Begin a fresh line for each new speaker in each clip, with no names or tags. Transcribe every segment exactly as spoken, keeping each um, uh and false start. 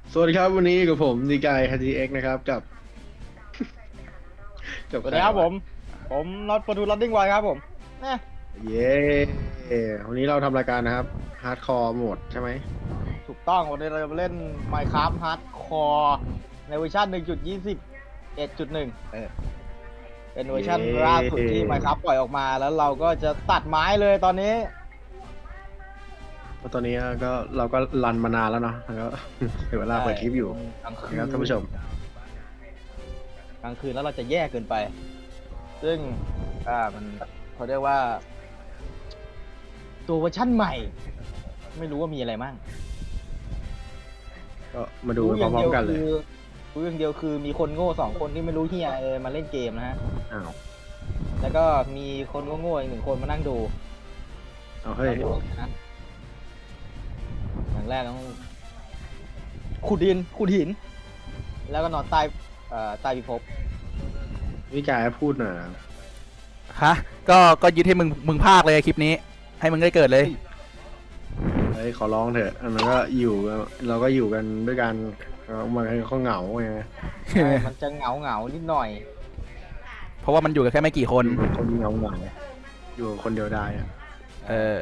สวัสดีครับวันนี้กับผมดีกายฮันจีเอ็กนะครับกับกับ
สวัสดีครับผม ผมน็อตประตูลัดดิ้งไวครับผมนะ
เย้วันนี้เราทำรายการนะครับฮาร์ดคอร์โหมดใช่ไหม
ถูกต้องวันนี้เราจะมาเล่น Minecraft Hardcore ในเวอร์ชัน หนึ่งจุดยี่สิบเอ็ดจุดหนึ่ง เออเป็นเวอร์ชันล่าสุดที่ Minecraft ปล่อยออกมาแล้วเราก็จะตัดไม้เลยตอนนี้
เพราะตอนนี้ก็เราก็รันมานานแล้วเนาะแล้วก็ถึงเวลาเปิดคลิปอยู่
กลางคืน
นะครับท่านผู้ชม
กลางคืนแล้วเราจะแย่เกินไป ซึ่งอ่ามันเขาเรียกว่า ตัวเวอร์ชันใหม่ ไม่รู้ว่ามีอะไรมั่ง
ก็มาดูพร้อมๆกันเลย
รู้อย่างเดียวคือมีคนโง่สองคนที่ไม่รู้เฮียเลยมาเล่นเกมนะฮะ
อ้าว
แล้วก็มีคนโง่ๆอีกหนึ่งคนมานั่งดู
เอาเฮ้ย
นะอย่างแรกต้องขุดดินขุดหิน แล้วก็นอนใต้เอ่อใต้พิภพ
พี่กายพูดหน่อย
ฮะก็ก็ยึดให้มึงมึงภาคเลยคลิปนี้ ให้มึงได้เกิดเลย
เฮ้ยขอร้องเถอะอันนั้นก็อยู่เราก็อยู่กันด้วยกันมันเขาเหงาไง
ใช่มันจะเหงาเหงาๆนิดหน่อย
เพราะว่ามันอยู่กันแค่ไม่กี่คน
คนเหงาเหงาอยู่คนเดียวได้อะ
เออ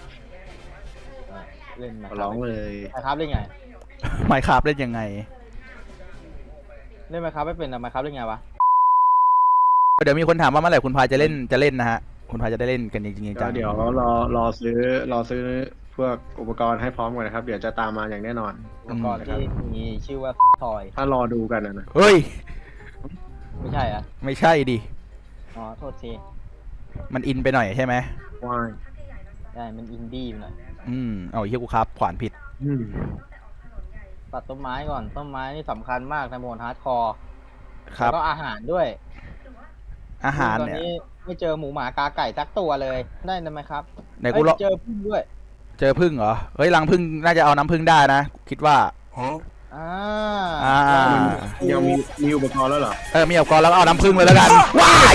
เล่นมา
ขอร้องเลย
ครับเล่นไง
ไมค์ครับเล่นยังไง
เล่นมาครับไม่เป็นอะมาครับเล่นไงวะ
เดี๋ยวมีคนถามว่าเมื่อไหร่คุณพายจะเล่นจะเล่นนะฮะ คุณพายจะได้เล่นกันจริงๆ
ก็
จัง
เดี๋ยวรอรอซื้อรอซื้อพวกอุปกรณ์ให้พร้อมก่อนนะครับ เดี๋ยวจะตามมาอย่างแน่นอน
อุปกรณ์ที่มีชื่อว่าทอย
ถ้ารอดูกันนะนะ
เฮ้ย
ไม่ใช่อะ
ไม่ใช่ดิ
อ๋อโทษที
มันอินไปหน่อยใช่ไหม
ว่าย
ได้มันอินดี้ไปหน่อย
อืมเอาเฮียกูครับขวานผิด
อืม
ตัดต้นไม้ก่อนต้นไม้นี่สำคัญมากในโหมดฮาร์ดคอร์
ครับ
แล้วก็อาหารด้วย
อาหาร
ตอน
เนี่ย
นี้ไม่เจอหมูหมากาไก่สักตัวเลยได้ไหมครับ
ไหนกูรอ
เอ้ยเจอพึ่งด้วย
เจอพึ่งเหรอ เฮ้ยรังพึ่งน่าจะเอาน้ำพึ่งได้นะ คิดว่า
อ่า
อ่า
ยังมีมีอุปกรณ์แล้วเหรอ
เออมีอุปกรณ์แล้วก็เอาน้ำพึ่งเลยแล้วกัน ว้าย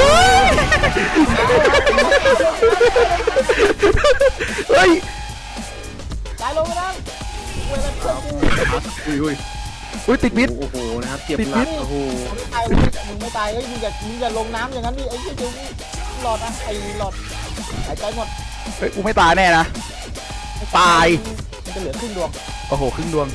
เฮ้ย
ตายลงไปแล้วเวลาเพื่อนกู
อุ้ยอุ้ย
อุ้ยติดมิด
โอ้โหนะครับเจ็บ
ติด
หนัก
พิษ
โอ้โห
ไม่ตายมึงไม่ตายเฮ้ยมึงอย่ามึงอย่าลงน้ำอย่างนั้นดิไอ้เหี้ยเดี๋ยวนี้หลอดนะไอ้หลอดหายใจหมด
เฮ้ยกูไม่ตายแน่นะ ตาย
มันจะเหลือครึ่งดวง
โอ้โหครึ่งดวง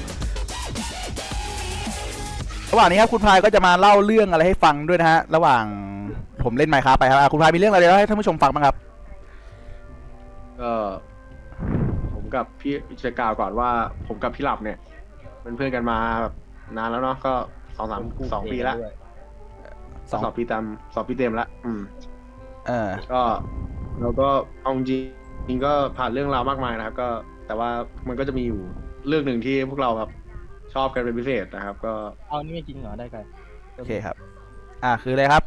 ระหว่างนี้ครับคุณพายก็จะมาเล่าเรื่องอะไรให้ฟังด้วยนะฮะ ระหว่างผมเล่นไมค์ครับไปครับอ่ะคุณพายมีเรื่องอะไรเล่าให้ท่านผู้ชมฟังบ้างครับ
ก็ผมกับพี่จะกล่าวก่อนว่า ผมกับพี่หลับเนี่ย เป็นเพื่อนกันมาแบบนานแล้วเนาะก็สองสามสองปีละ
สอง
สองปีเต็มสองปีเต็มละอืม
เออ
ก็เราก็เอาจริงจริงก็ผ่านเรื่องราวมากมายนะครับ ก็แต่ว่ามันก็จะมีอยู่เรื่องหนึ่งที่พวกเราแบบชอบกันเป็นพิเศษนะครับ ก็
เอานี่ไม่จริงเหรอได้ไง
โอเคครับ อ่ะคืออะไรครับ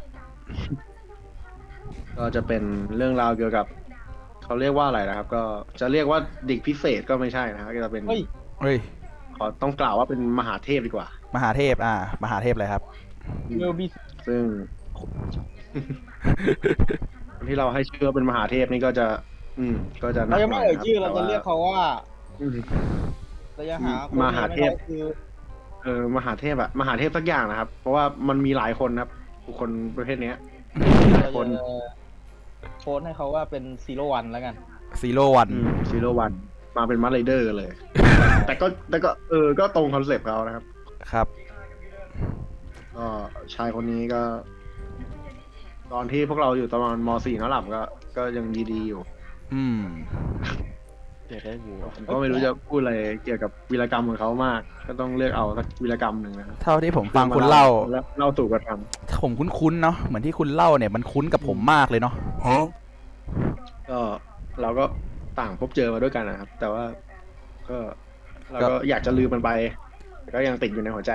ก็จะเป็นเรื่องราวเกี่ยวกับเขาเรียกว่าอะไรนะครับ ก็จะเรียกว่าเด็กพิเศษก็ไม่ใช่นะครับก็จะเป็น
เฮ้ย
เฮ้ย
ขอต้องกล่าวว่าเป็นมหาเทพดีกว่า
มหาเทพ อ่า มหาเทพอะไรครับ
เวลบี
ซึ่ง ที่เราให้ชื่อว่าเป็นมหาเทพนี่ก็จะ อืม ก็จะหนั
เรา
ก
ยัง
หน่
ไม่
อย
เอ่ย
นะครับ
ชื่อเรา
แต่
จะ
ว่า
เรียกเขาว่า
อืม
เราจะหาคน
มหาเทพ
ไม่ได้คือ
เออมหาเทพอะมหาเทพสักอย่างนะครับ เพราะว่ามันมีหลายคนครับบุคคลประเภทเนี้ยหลาย
เรา
คน
จะโพสต์ให้เขาว่าเป็นซีโร่วันแล้วกัน
ซีโร่วัน
ซีโร่วันมาเป็นมัดไรเดอร์เลย แต่ก็แต่ก็เออ ก็ตรงคอนเซปต์เขานะครับ
ครับ
ก็ชายคนนี้ก็ ตอนที่พวกเราอยู่ตอนม .สี่ นั่นหลับก็ ก็ยังดีๆอยู่
อืม
เดี๋ยวได้กู
ผมก็ไม่รู้จะพูดอะไรเกี่ยวกับวีรกรรมของเขามาก ก็ต้องเลือกเอาสักวีรกรรมหนึ่งนะครับ
เท่าที่ผมฟังคุณเล่า
แล้วเล่าสู่กันฟัง
ผมคุ้นๆเนาะ เหมือนที่คุณเล่าเนี่ยมันคุ้นกับผมมากเลยเนาะ
ก็เราก็ต่างพบเจอมาด้วยกันนะครับ แต่ว่า ก็เราก็อยากจะลืมมันไปแต่ก็ยังติดอยู่ในหัวใจ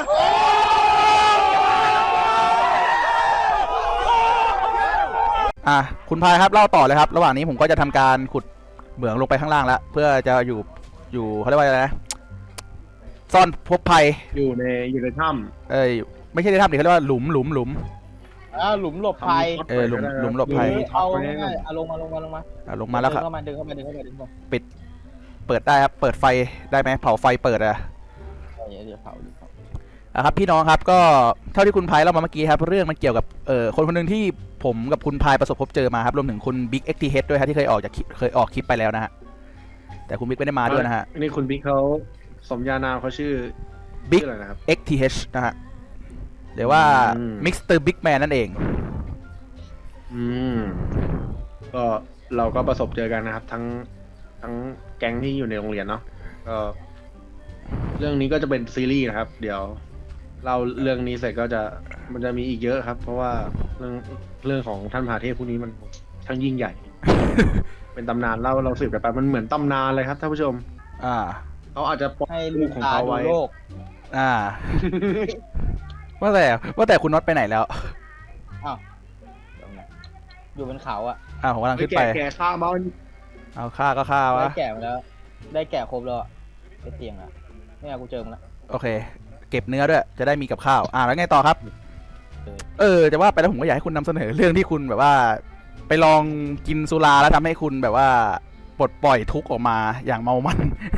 อ่ะคุณพายครับเล่าต่อเลยครับ ระหว่างนี้ผมก็จะทำการขุดเหมืองลงไปข้างล่างแล้ว เพื่อจะอยู่อยู่เขาเรียกว่าอะไรนะ ซ่อนพบภัย
อยู่ในอยู่ในถ้
เอ้ยไม่ใช่ในถ้ำดิเขาเรียกว่าหลุมหลุมหลุม
อ่าหลุมหลบ
ำ
ภัย
ทำ
เออหลุมหลุมหลบภัย
หรือเอาง่ายๆเอาลงมาลงมาลงมา
อ่ะลงมาแล้วครับ
เดินเข้ามาเดินเข้ามาเดินเข้ามาเดินเข้ามา
เปิดได้ครับ เปิดไฟได้ไหมเผาไฟเปิดอะ
เอเดี๋ยวเผาเดี๋ยวเผา
อ่ะครับพี่น้องครับก็เท่าที่คุณพายเล่ามาเมื่อกี้ครับเรื่องมันเกี่ยวกับเอ่อคนคนหนึ่งที่ผมกับคุณพายประสบพบเจอมาครับรวมถึงคุณบิ๊กเอ็กทีเฮดด้วยครับที่เคยออกจากคลิปเคยออกคลิปไปแล้วนะฮะแต่คุณบิ๊กไม่ได้มาด้วยนะฮะ
นี่คุณบิ๊กเขาสมญานามเขาชื่อ
บิ๊ก
ชื่ออะไรนะครับ
เอ็กทีเฮดนะฮะหรือว่า
อืม
มิสเตอร์บิ๊กแมนนั่นเอง
อืมก็เราก็ประสบเจอกันนะครับ ทั้งทั้งแก๊งที่อยู่ในโรงเรียนเนาะก็เรื่องนี้ก็จะเป็นซีรีส์นะครับ เดี๋ยวเราเรื่องนี้เสร็จก็จะมันจะมีอีกเยอะครับ เพราะว่าเรื่องเรื่องของท่านมหาเทพผู้นี้มันช่างยิ่งใหญ่ เป็นตำนานเล่าเราสืบกันไปมันเหมือนตำนานเลยครับท่านผู้ชม
อ่า
เขาอาจจะปก
ให้
ลู
ลู
ก
ก
ของ
ตา
เขา
ดู
ไว้
โลก
อ่า ว่าแต่ว่าแต่คุณน็อตไปไหนแล้ว
อ้าวตรงไหนอยู่บนเขาอ่ะ
อ่าผมกำลัง
เฮ้ย
ขึ้นไป
แก่แก่ข้ามา
เอาฆ่าก็ฆ่า
ได้
วะ
แก่มาแล้ว ได้แก่ครบแล้วอะได้เตียงอ่ะเนี่ยกูเจอมึงแล้ว
โอเค เก็บเนื้อด้วยจะได้มีกับข้าวอ่าแล้วไงต่อครับ เออจะว่าไปแล้วผมก็อยากให้คุณนำเสนอเรื่องที่คุณแบบว่า ไปลองกินสุราแล้วทำให้คุณแบบว่าปลดปล่อยทุกข์ออกมาอย่างเมามัน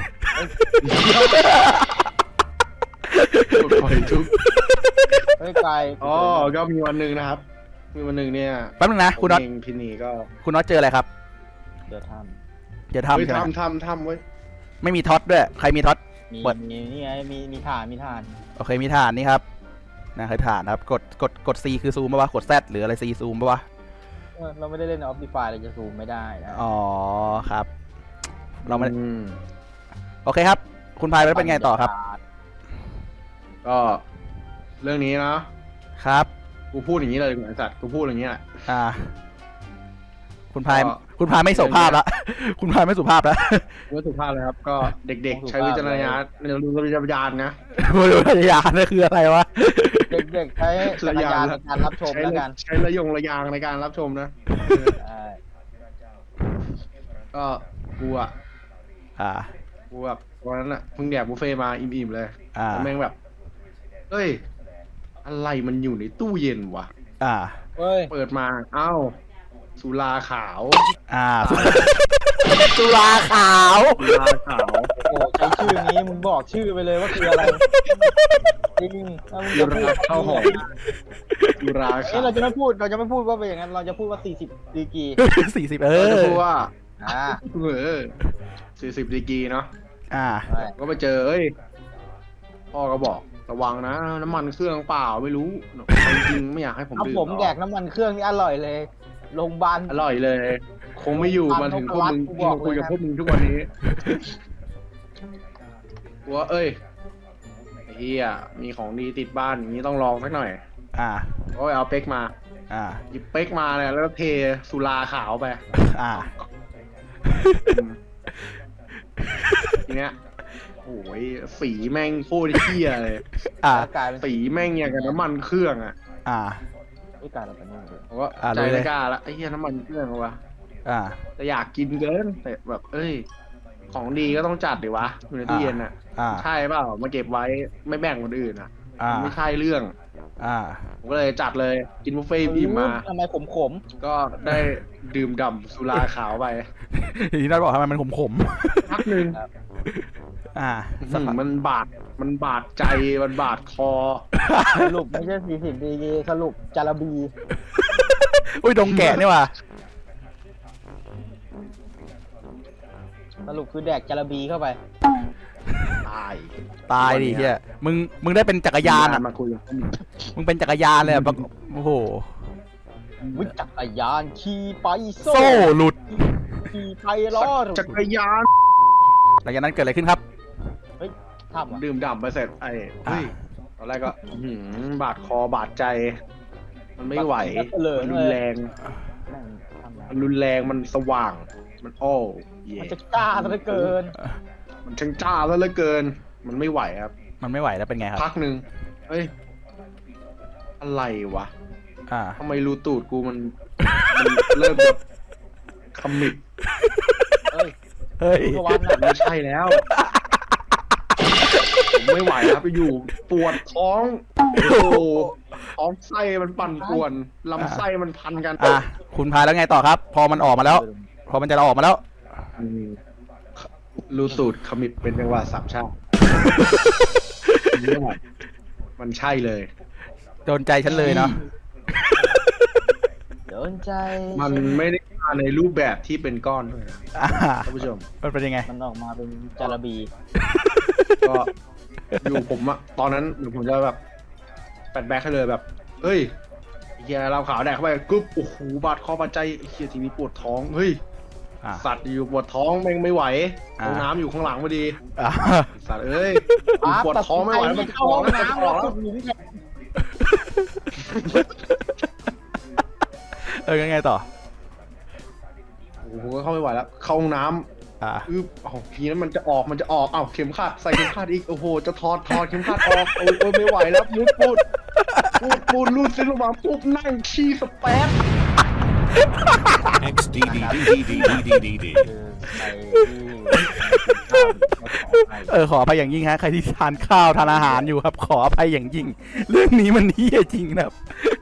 ปล่อยทุกข์
เฮ้ยไกล
อ๋อก็มีวันหนึ่งนะครับ มีวันหนึ่งเนี่ย
แป๊บนึงนะคุณน็อต
ผมเองพี่นีก็
คุณน็อตเจออะไรครับ
เดี๋ยวท
เดี๋ยว
เฮ้ย
ทำใช่ไหม
ทำทำทำเว้ย
ไม่มีท็อตด้วยใครมีท็อต
ำมี
เปิด
มีนี่ไงมีมีฐานมีฐาน
โอเคมีฐานนี่ครับนะคือฐานครับกดกดกด C คือซูมป่ะวะกด Z หรืออะไร C ซูมป่ะวะ
เออเราไม่ได้เล่นออฟดิฟายเราจะซูมไม่ได้นะ
อ๋อครับ เราไม่
อืม
โอเคครับ คุณพายแล้วเป็นไงต่อครับ
ก็เรื่องนี้นะครับ กูพูดอย่างนี้เลยเหมือนสัตว์กูพูดอย่างนี้แหละ
อ่า คุณพาย
ก็
คุณพายไม่สุภาพละ คุณพายไม่สุภาพละ
ว่าสุภาพเลยครับ ก็เด็กๆ ใช้วิจารณญาณในรู้วิจารณญาณนะ
บริวารยานนั่นคืออะไรวะ
เด็กๆใช้จักรยานในการรับชม
ใช้
แล้วกัน
ใช้ระยงระยางในการรับชมนะ
ใช่
ก็กูอ่ะ
อ่า
กูแบบวันนั้นอ่ะเพิ่งแดกบุฟเฟ่ต์มาอิ่มๆเลย
อ่า
แล้วแม่งแบบเฮ้ยอะไรมันอยู่ในตู้เย็นวะ
อ่า
เฮ้ย
เปิดมาเอ้าสุราขาว
อ่า สุราขาว
สุราขาว
โอ้ใช้ชื่อนี้มึงบอกชื่อไปเลยว่าคืออะไรจริงถ้ามึง
สุ
จะพู
รา
ด
ข้าวหอมสุรา
เอ้
ขาย ว
เราจะไม่พูดเราจะไม่พูดว่าเป็นอย่างนั้นเราจะพูดว่าสี่สิบดีกรี
สี่สิบเอ
เรา
อ
จะพูดว่า
อ่า
เออสี่สิบดีกรีเนาะ
อ่า
ใช่
ก็ไปเจอเอ้ยพ่อก็บอกระวังนะ น้ำมันเครื่องเปล่าไม่รู้จริงๆไม่อยากให้ผม
เอา
ดื่ม
ผม
หรอก
แดกน้ำมันเครื่องนี่อร่อยเลยโรงพยาบาล
อร่อยเลย คงไม่อยู่มาถึงพวกมึง
กู
ที่
บอก
มาคุยกับ
เลยนะ
พวกมึงทุกวันนี้กูว่าเอ้ยไอ้เฮียมีของดีติดบ้านอย่างนี้ต้องลองสักหน่อย
อ่า
ก็ไปเอาเป๊กมา
อ่า
หยิบเป๊กมาเนี่ยแล้วก็เทสุราขาวไป
อ่า
ทีเนี้ยโอ้ยสีแม่งโคตรเฮียเลย
อ่า
แล้วกลายเป็น
สีแม่งอย่างกับน้ำมันเครื่องอ่ะ
อ่า
ไม่กลายเป็นนี่เลย
ผมก็
อ่ะ
ใจ
รู้เลย
ไม่กล้าละไอ้เหี้ยน้ำมันเครื่องวะ
อ่า
แต่อยากกินเกินแต่แบบ เอ้ย ของดีก็ต้องจัดดิวะอยู่ในตู้เย็นอ่ะ
อ่า
ใช่เปล่ามาเก็บไว้ไม่แบ่งคนอื่นอ่ะ
อ่า
มันไม่ใช่เรื่อง
อ่า
ผมก็เลยจัดเลยกินบุฟเฟ่ต์อิ่มมา
ทำไมขมขม
ก็ได้ดื่มด่ำสุราขาวไป
ทีนี้น็อตบอกทำไมมันขมขม
พักหนึ่ง
ๆอ่า
อื้อ
สัก
หื
พั
อก มันบาดมันบาดใจมันบาดคอ
ๆสรุปไม่ใช่สี่สิบดีกรีสรุปจาระบี
อุ้ยดงแกะนี่ว่ะ
สรุปคือแดกจาระบีเข้าไป
ตาย
ตายดิเฮียมึง มึงได้เป็นจักรยานอ่ะ
มาคุยกับผม
มึงเป็นจักรยานเลยอ่ะแบบโอ้โห
วิจักรยานขี่ไป
โซ่หลุด
ขี่ไปล้อหลุด
จักรยาน
หลังจากนั้นเกิดอะไรขึ้นครับ
ทำอ่ะ
ดื่มด่ำไปเสร็จไอ้เฮ้ยตอนแรกก็อื้อหือบาดคอบาดใจ มันไม่ไหว
เหลือ
มัน
เล
รุน
ย
แรง
แม่งทำแล้ว
มันรุนแรงมันสว่าง มันโอ้เย่
มันจะกล้าซะเหลือเกิน
มันช่างจ้าแล้วเหลือเกิน มันไม่ไหวครับ
มันไม่ไหวแล้วเป็นไงครับ
พักหนึ่งเฮ้ย อะไรวะ
อ่า
ทำไมรูตูดกูมัน มันเริ่มแบบขมิบ
เฮ้ย
เฮ้ย
ทุกวันน่ะ
ไม่ใช่แล้ว ผมไม่ไหวครับไปอยู่ปวดท้อง โอ้โหท้องไส้มันปั่นป่วนลำไส้มันพันกัน
อ่ะ คุณพายแล้วไงต่อครับ พอมันออกมาแล้ว พอมันจะออกมาแล้ว
อืมรูตูดขมิบเป็นจังหวะสามชาติเนี่ยมันใช่เลย
โดนใจฉันเลยเนาะ
โดนใจ
มันไม่ได้มาในรูปแบบที่เป็นก้อนด้วยนะ
อ่า
ท่านผู้ชม
มันเป็นยังไง
มันออกมาเป็นจาระบี
ก็อยู่ผมอะตอนนั้นผมจะแบบแปดแบ็คให้เลยแบบเฮ้ยเฮียเราขาวแดกเข้าไปกึ๊บโอ้โหบาดคอบาดใจเฮียทีนี้ปวดท้องเฮ้ย
อ่า
สัตว์อยู่ปวดท้องแม่งไม่ไหว
อ่า
ห้องน้ำอยู่ข้างหลังพอดี
อ่า
สัตว์เอ้ยกูปวดท้องไม่ไหวแล้วมันจะ
เข้า
อ
ห้
อ
อก ง
แล้วมันจะ
น้ำ
อ
แล้
อ
ว
กแล้ว
ขุดหลุมแทน
เออยังไงต่อ
โอ้โหเข้าไม่ไหวแล้วเข้าห้องน้
อ่า
ำอึ๊บเอ้าทีนั้นมันจะออกมันจะออกเอ้าเข็มขัดใส่เข็มขัดอีกโอ้โหจะถอดถอดเข็มขัดออกโอ้ยโอ้ยไม่ไหวแล้วมุดปูดปูดปูดรูดซิลงมาปุ๊บนั่งขี้สเปซ
X D D D D D D D D.
คือไปที่
เออขออภัยอย่างยิ่งฮะใครที่ทานข้าวทานอาหารอยู่ครับ ขออภัยอย่างยิ่ง เรื่องนี้มันเฮี้ยจริงนะครับ